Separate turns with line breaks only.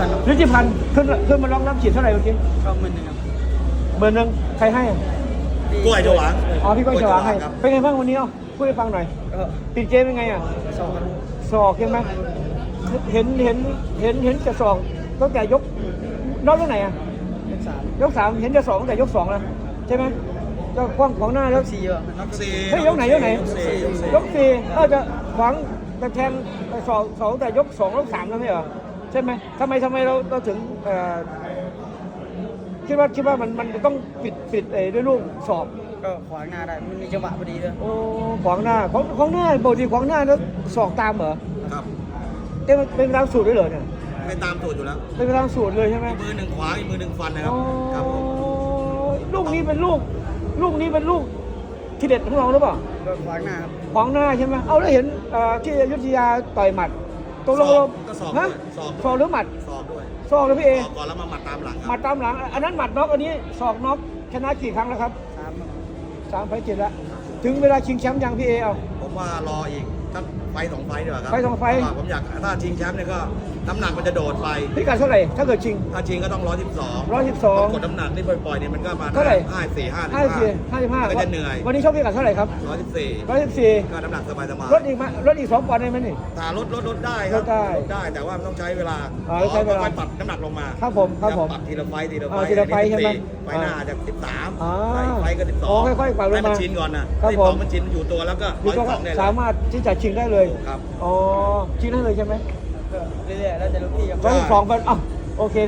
พันธ์
ฤทธิพันธ์ขึ้นมาร้องน้ำฉีดเท่าไหร่เมื่อกี้
ก็10,000ครับ
10,000ใครให้อ่ะ
กล้วยฉวาง
อ๋อพี่ก้อยฉวางให้
ครับ
เป็นไงบ้างวันนี้พูดให้ฟังหน่อย
ก็
ปิดเกมเป็นไงอ่ะ
2ครับ
ศอกใช่ไหมเห็นจะศอกตั้งแต่ยกนอกตรงไหนอ่ะ
3
ยก 3เห็นจะศอกตั้งแต่ยก 2แล้วใช่ไหมก็ขวางของหน้าแล้ว
4ว่ะ
ยกสี่
เฮ้ยยกไหนยก 4จะขวางจะแทงศอกตั้งแต่ยก 2ยก 3แล้วไม่เหรอใช่ไหมทำไมเราถึงคิดว่ามันจะต้องปิดด้วยลูกศอก
ก็ขวางหน้าได้มันมีจังหวะพอดีด้วย
โอ้ขวางหน้าของหน้าปกติขวางหน้าแล้วศอกตามเหรอ
ครับ
เป็นตามสูตรด้วยเหรอเนี่ย
ไม่ตามสูตรอยู่แล้ว
เป็นตามสูตรเลยใช่ไหม
มือหนึ่งขวาอีกมือหนึ่งฟันนะครับ
อ๋อ
ครับผม
ลูกนี้เป็นลูกที่เด็ดของเราหรือเปล่า
ก็ขวางหน้าครับ
ขวางหน้าใช่ไหมเอาแล้วเห็นที่อยุธยาต่อยหมัดตกลง
ก็สอบ
ฮะ
สอบ
ศอกหรือหมัด
สอบด้วย
ศอกเลยพี่เอ
สอบก่อนแล้วมาหมัดตามหลังค
หมั
รั
ด
บ
ตามหลังอันนั้นหมัดน็อกอันนี้ศอกน็อกชนะกี่ครั้งแล้วครับ
3ครับ
3 ไฟต์ 7แล้วถึงเวลาชิงแชมป์ยังพี่เอเอา
ผมว่ารออีกสักไฟต์สองไฟต์ดีกว่าครับ
ไฟต์สองไฟต์
เพราะว่าผมอยากถ้าชิงแชมป์เนี่ยก็น้ำหนักมันจะโดดไป
พิกัดเท่าไหร่ถ้าเกิดชิง
ถ้าชิงก็ต้อง112
112
กดน้ำหนักนี่ปล่อยๆเนี่ยมันก็มา
เท่าไหร่
54 ก็จะเหนื่อย
วันนี้ชอบพิกัดเท่าไหร่ครับ
114
114
ก็น้ำหนักสบาย
ลดอีกมั้ยลดอีก2 ปอนด์ได้ไหมนี่
ถ้ารถได้ครับ
ลดได้
แต่ว่ามันต้องใช้เวลา
ต้องใช้เวลา
ค่อยๆปรับน้ำหนักลงมา
ครับผมครับผม
ปรับทีละไฟต์ทีละไฟ
ทีละไฟต์ใช่ไหม
ไฟต์หน้าจาก
อ่า
13ไฟต์ก็
อ๋อ
12
ค่อยๆปรับลงมา
ให้มันชินก่อนนะครับ
ผม
12มันชินอยู่ตัวแล้วก็
มีตัว
112เนี่ย
สามารถที่จะชิงได้เลย
ครับ
อ๋อชิงได้เลยใช่ไหม
ก็เรื่อยๆแล้วแต่ลูกพี่ครับ
112เป็นอ้าวโอเค